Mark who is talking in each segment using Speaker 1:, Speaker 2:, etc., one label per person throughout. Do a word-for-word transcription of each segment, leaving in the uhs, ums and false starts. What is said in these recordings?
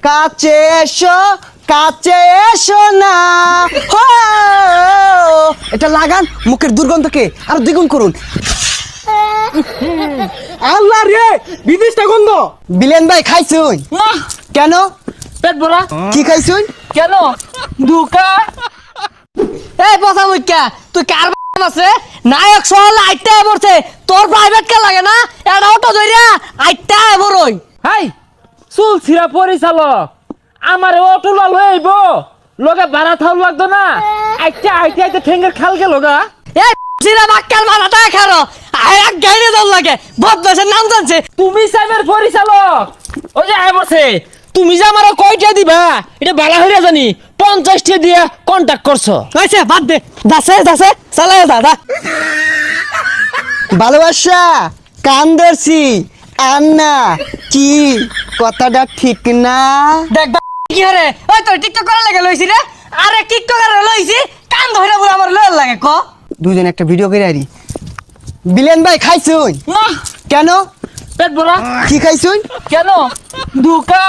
Speaker 1: কাছে এসো কাছে এসো না হো এটা লাগান মুখের দুর্গন্ধকে আর দ্বিগুণ করুন।
Speaker 2: আল্লাহ রে বিদেশটা গন্ধ।
Speaker 1: বিলেন ভাই খাইছুন?
Speaker 2: না
Speaker 1: কেন?
Speaker 2: পেট ভরা।
Speaker 1: কি খাইছুন?
Speaker 2: কেন? দুকা।
Speaker 3: এই পচা মুখ্যা তুই কার আছে নায়ক সহলে আইটা পড়ছে তোর প্রাইভেট কে লাগে না এটা অটো ধইরা আইটা বড়ই।
Speaker 2: হাই চুল ছিড়া পরিচালক আমার অটো লাল হয়ে আইব লগে ভাড়া থাও লাগতো না আইটা আইতে আইতে ঠেঙ্গের খাল গেল গা।
Speaker 3: এই সিরা বাক্কার মাথাটা খারো আই এক গাইরে দল লাগে বদমাশের নাম জানছে।
Speaker 2: তুমি সাইবার পরিচালক ওই যে আয় বসে তুমি যে আমার কয়টা দিবা এটা বালা হইরা জানি পঞ্চাশটা দিয়ে কন্টাক্ট করছো।
Speaker 3: হইছে বাদ দে দাসে দাসে চালায় দাদা
Speaker 1: ভালোবাসা কান ধরছি আর না কি কথাটা ঠিক না?
Speaker 3: দেখ বা কি হরে ওই তোর টিকটক করা লাগে লইছি রে আরে টিকটক করে লইছি কান ধইরা পুরো আমার লয় লাগে ক
Speaker 1: দুজন একটা ভিডিও করে আরি। বিলেন ভাই খাইছুন?
Speaker 2: না
Speaker 1: কেন?
Speaker 2: পেট ভরা।
Speaker 1: কি খাইছুন?
Speaker 2: কেন? দুকা।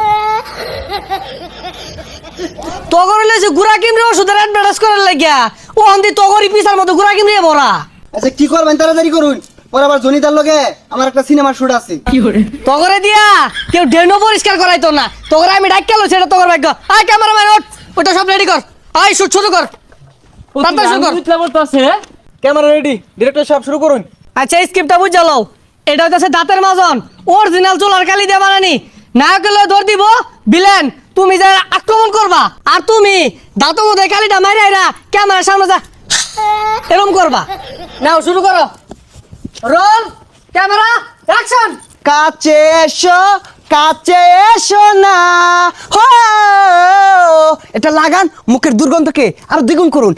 Speaker 3: তগর লইছে গুড়া কিমরে ওষুধের অ্যাডভার্টাইজ করার লাগিয়া ও হন্দি তগরি পিসার মতো গুড়া কিমরে ভরা।
Speaker 1: আচ্ছা কি করবেন তাড়াতাড়ি করুন, পরে আবার জনিতার লগে আমার একটা সিনেমার শুট আছে।
Speaker 3: তগরে দিয়া কেউ ডেনো পরিষ্কার করাইতো না তগরে আমি ডাক কেলো সেটা তগর ভাগ্য। আয় ক্যামেরাম্যান ওঠ ওটা সব রেডি কর আয় শুট শুরু কর তাড়াতাড়ি শুরু কর।
Speaker 2: ক্যামেরা রেডি ডিরেক্টর সাহেব শুরু করুন।
Speaker 3: আচ্ছা এই স্ক্রিপ্টটা বুঝ জ্বালাও এটা হচ্ছে দাঁতের মাজন অরিজিনাল চুলার কালি দিয়ে বানানি নায়কের লয়ে ধর দিব বিলেন তুমি যা আক্রমণ করবা আর তুমি দাঁত মধ্যে কালিটা মারি আইরা ক্যামেরার সামনে যা এরকম করবা। নাও শুরু করো রোল ক্যামেরা অ্যাকশন।
Speaker 1: কাছে এসো কাছে এসো না হো এটা লাগান মুখের দুর্গন্ধকে আর দ্বিগুণ করুন।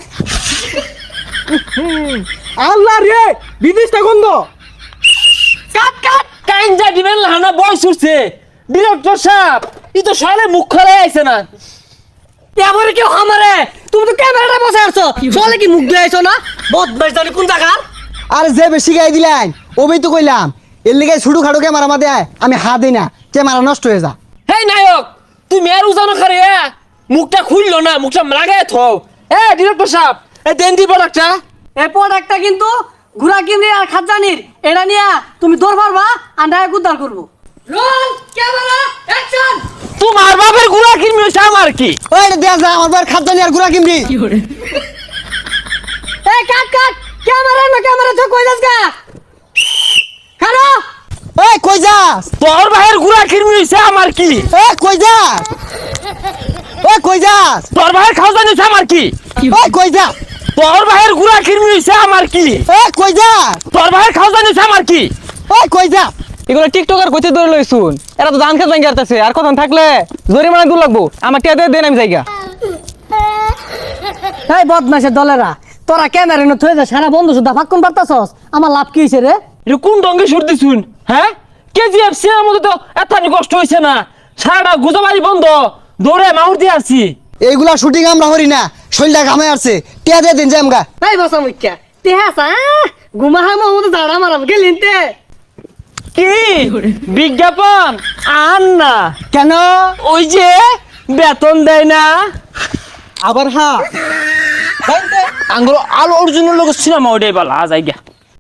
Speaker 2: আল্লাহ রে বিদেশটা গন্ধ। কাট কাট কাইঞ্জা দিবেন লানা বয় সুরছে ডিরেক্টর সাহেব ই তো সালে মুখ খোলা আইছে না।
Speaker 3: এবারে কেউ আমারে তুমি তো ক্যামেরাটা বসে আছো চলে কি মুখ দিয়ে আইছো না বদমাইশ জানি কোন জায়গার।
Speaker 1: আর যে বেশি গাই দিলেন ওবেই তো কইলাম এর লিগে ছুটু খাড়ু ক্যামেরা মাদে আমি হাত দিই না ক্যামেরা নষ্ট হয়ে যা।
Speaker 2: হেই নায়ক তুমি আর উজানো করে মুখটা খুললো না মুখটা লাগাই থও। এ ডিরেক্টর সাহেব এ দেন দি প্রোডাক্টটা।
Speaker 3: এই প্রোডাক্টটা কিন্তু ঘুরা কিমরি আর খাজানির এটা নিয়া তুমি দৌড় পারবা আর নায়ক উদ্ধার করবো। Roll camera action.
Speaker 2: তোমার বাপের গুড়া কিনবি আমার কি?
Speaker 1: ওই দেয়া যা আমার বার খাদ্দানি আর গুড়া কিমরি।
Speaker 3: এই কাট কাট ক্যামেরা না ক্যামেরা তো কই যাস গা খানো।
Speaker 1: ওই কই যাস?
Speaker 2: তোর ভাইয়ের গুড়া কিনবি আমার কি?
Speaker 1: এ কই যাস? ওই কই যাস?
Speaker 2: তোর ভাইয়ের খাওয়া নিছে আমার কি?
Speaker 1: ওই কই যাস?
Speaker 2: তোর ভাইয়ের গুড়া কিনবি আমার কি?
Speaker 1: এ কই যাস?
Speaker 2: তোর ভাইয়ের খাওয়া নিছে আমার কি?
Speaker 1: ওই কই যাস?
Speaker 4: এগুলো টিকটকার কইতে ধরে লইছুন এরা তো ধান খেত ভাঙ্গি আসতেছে আর কখন থাকলে জরিমানা দূর লাগবো আমার টিয়া দিয়ে দেন আমি জায়গা।
Speaker 3: এই বদমাশের দলেরা তোরা ক্যামেরা না থয়ে যা সারা বন্ধু সুদ্ধা ফাক্কুন পারতাছস আমার লাভ কি হইছে রে?
Speaker 2: এটা কোন ডঙ্গে সরতে শুন হ্যাঁ কেজিএফ সিনেমার মধ্যে তো এত কষ্ট হইছে না সারাটা গুজবাজি বন্ধ দৌড়ে মাউর দিয়ে আসছি।
Speaker 1: এইগুলা শুটিং আমরা হরি না শৈলটা ঘামে আসছে টিয়া দিয়ে দিন জামগা।
Speaker 3: এই বসা মুখ্যা তে হাসা ঘুমা হামা মতো দাঁড়া মারাম গেলিন তে
Speaker 2: কি বিজ্ঞাপন আন না
Speaker 1: কেন?
Speaker 2: ওই যে বেতন দেয় না
Speaker 1: আবার হ্যাঁ
Speaker 2: আঙ্গুলো আলো অর্জুনের লোক সিনেমা ওটাই বলা জায়গা।